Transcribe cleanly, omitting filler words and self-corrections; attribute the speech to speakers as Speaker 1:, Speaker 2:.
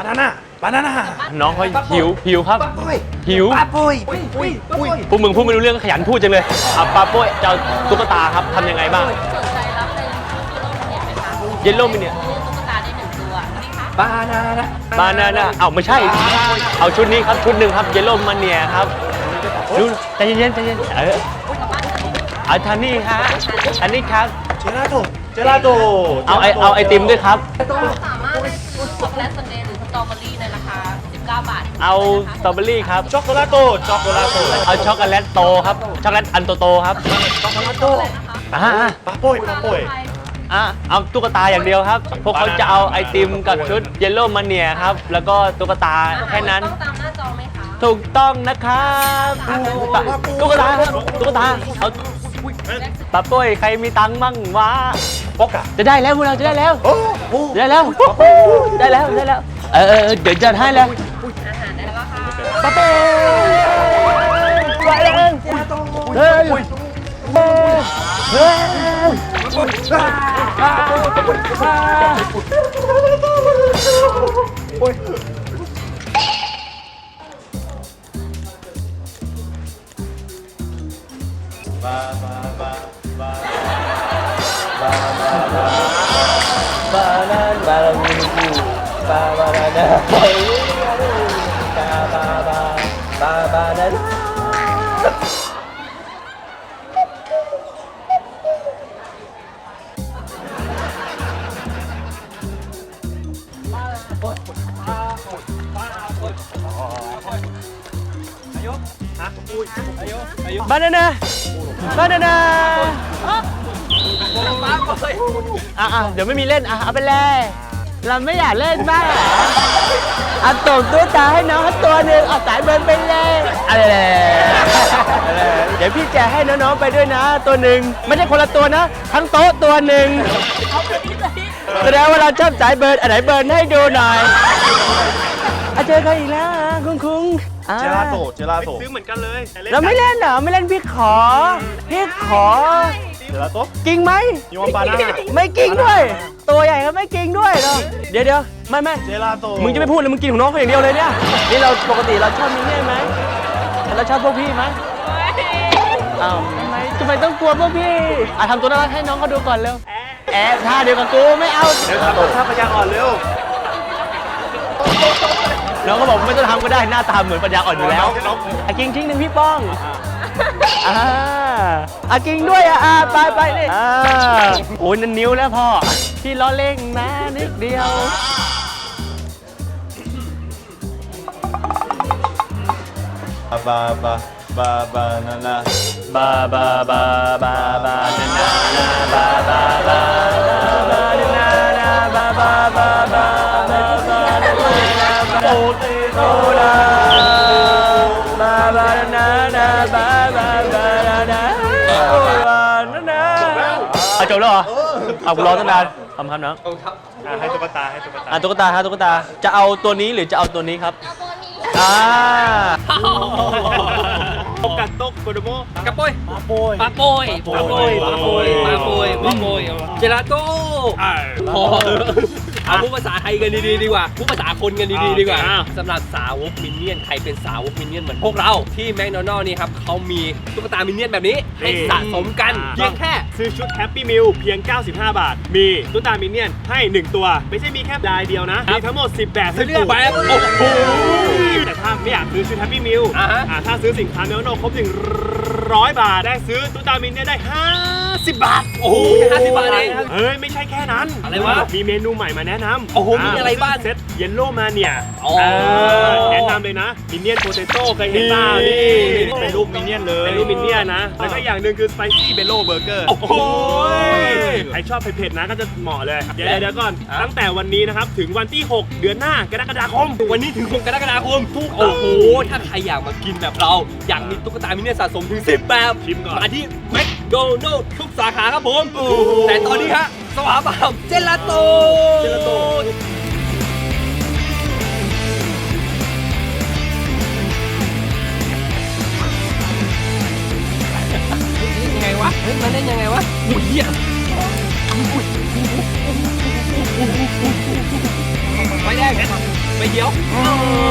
Speaker 1: บานาน่า
Speaker 2: น้องเขาหิวครับหิว
Speaker 1: ปาปุ้ย
Speaker 2: พวกมึงพูดไม่รู้เรื่องขยันพูดจังเลยปาโป้ยจะเอาตุ๊กตาครับทำยังไงบ้าง
Speaker 3: สนใจรับเป็นตุ๊กตามินิไหมคะ
Speaker 2: เยลโล่มิเนี่ย
Speaker 3: ตุ๊กตาได้1 ตัวนี่คะ
Speaker 1: บานาน่า
Speaker 2: เอาไม่ใช่ เอาชุดนี้ครับชุดหนึ่งครับเยลโล่มันเนี่ยครับดูใจเย็นเอาทานนี่ฮะอันนี้ครับ
Speaker 1: เจลาโต
Speaker 2: เอาไอติมด้วยครับ
Speaker 3: สามารถได้ช็อกโกแลตซันเดย์หรือสตรอเบอรี่ในราคา19 บาท
Speaker 2: เอาสตรอเบอรี่ครับ
Speaker 1: ช็อกโกแลตโต
Speaker 2: เอาช็อกโกแลตโตครับช็อกโกแลตอันโตๆครับ
Speaker 1: ช็อกโกแลตโต ปาปุ้ย
Speaker 2: เอาตุ๊กตาอย่างเดียวครับพวกเขาจะเอาไอติมกับชุดเยลโล่มันเนี่ยครับแล้วก็ตุ๊กตาแค่นั้น
Speaker 3: ต้องตามหน้าจอไหมคะ
Speaker 2: ถูกต้องนะครับตุ๊กตาครับตุ๊กตาเอาปาโป้ยใครมีตังค์มั่งวะ
Speaker 1: ปอกะ
Speaker 2: จะได้แล้วพวกเราจะได้แล้ว
Speaker 1: โอ้โห
Speaker 2: ได้แล้วเดี๋ยวจะให้แล้ว
Speaker 3: อาหารได้แล้วค่ะ
Speaker 2: ปาโป้ไปแล้วเฮ้ยบานาน่าเดี๋ยวไม่มีเล่นเอาไปเลยเราไม่อยากเล่นบ้างเอาตบตุ๊กตาให้น้องเขาตัวหนึ่งเอาสายเบิร์นไปเลยอะไรเดี๋ยวพี่แจกให้น้องๆไปด้วยนะตัวหนึ่งไม่ใช่คนละตัวนะทั้งโต๊ะตัวหนึ่งแสดงว่าเราชอบสายเบิร์นอันไหนเบิร์นให้ดูหน่อยเจอกันอีกแล้วคุ้ง
Speaker 1: เจลาโต
Speaker 2: ซื้อเหมือนกันเลยเราไม่เล่นเหรอไม่เล่นพี่ขอเจลาโตกิงไหม
Speaker 1: ยูวบานาน่า
Speaker 2: ไม่กิงด้วยตัวใหญ่ก็ไม่กิงด้วยเนาะเดี๋ยวไม่
Speaker 1: เจลาโต
Speaker 2: มึงจะไม่พูดเลยมึงกินของน้องเขาอย่างเดียวเลยเนี่ยนี่เราปกติเราชอบมินเนี่ยไหมเราชอบพวกพี่ไหมอ้าวทำไมต้องกลัวพวกพี่ทำตัวน่ารักให้น้องเขาดูก่อนเร็วแอบท่าเดียวกับกูไม่เอา
Speaker 1: เดี๋ยวทำท่าพยางอ่อนเร็ว
Speaker 2: น้องก็บอกไม่ต้องทำก็ได้หน้าตาเหมือนปัญญาอ่อนอยู่แล้วกิงทิ้งหนึ่งพี่ป้องกิงด้วยไปนี่โอ้ยนั่นนิ้วแล้วพ่อพี่ล้อเล่งนะนิดเดียว
Speaker 1: บานาน่า
Speaker 2: บานาน่าบานาน่าโอติโตราบานาน่าบานาน่าจบแล้วเหรอเอารอตั้งนานทำครับน้อง
Speaker 1: ให้ตุ๊กตา
Speaker 2: ตุ๊กตาจะเอาตัวนี้หรือจะเอาตัวนี้ครับ
Speaker 1: กัดตกโกโดโม
Speaker 4: กระโปยปลาโปยเจลาโต้พอเอาพูดภาษาไทยกันดีๆดีกว่าพูดภาษาคนกันดีๆดีกว่าสำหรับสาวกมินเนี่ยนใครเป็นสาวกมินเนี่ยนเหมือนพวกเราที่แมคโดนัลด์นี่ครับเขามีตุ๊กตามินเนี่ยนแบบนี้ให้สะสมกันเพียงแค่
Speaker 1: ซื้อชุดแฮปปี้มิลเพียง95 บาทมีตุ๊กตามินเนี่ยนให้1ตัวไม่ใช่มีแค่ลายเดียวนะมีทั้งหมด10แบบ
Speaker 4: ซื้อแบบโอ้โห
Speaker 1: แต่ถ้าไม่อยากซื้อชุดแฮปปี้มิลถ้าซื้อสินค้าแมคโดนัลด์ครบ100 บาทได้ซื้อตุ๊กตามินเนี่ยนได้50 บาท
Speaker 4: โอ้โห50 บาทเอง
Speaker 1: เฮ้ยไม่ใช่แค่นั้น
Speaker 4: อะไรวะ
Speaker 1: มีเมนูใหม่มาแนะนำ
Speaker 4: โอ้โหมีอะไรบ้าง
Speaker 1: เซตเยลโล่มาเนี่ยแนะนำเลยนะมินเนี่ยนโปเตโต้เคยเห็นป่าวนี่เป็นรูปมินเนี่ยนเลยเป็นรูปมินเนี่ยนนะแล้วก็อย่างหนึ่งคือสไปซี่เบลโล่เบอร์เกอร์
Speaker 4: โอ้โห
Speaker 1: ใครชอบเผ็ดๆนะก็จะเหมาะเลยเดี๋ยวก่อนตั้งแต่วันนี้นะครับถึงวันที่6เดือนหน้ากรกฎาคม
Speaker 4: วันนี้ถึง6กรกฎาคมโอ้โหถ้าใครอยากมากินแบบเราอยากมีตุ๊กตามินเนี่ยนสะสมถึง10แบบมาที่แมคโดนัลด์ทุกสาขาครับผมแต่ตอนนี้ฮะสวาบามเจลาโต้ยังไงวะมันเล่นยังไงวะอุ้ยไฟแดงไฟเขียว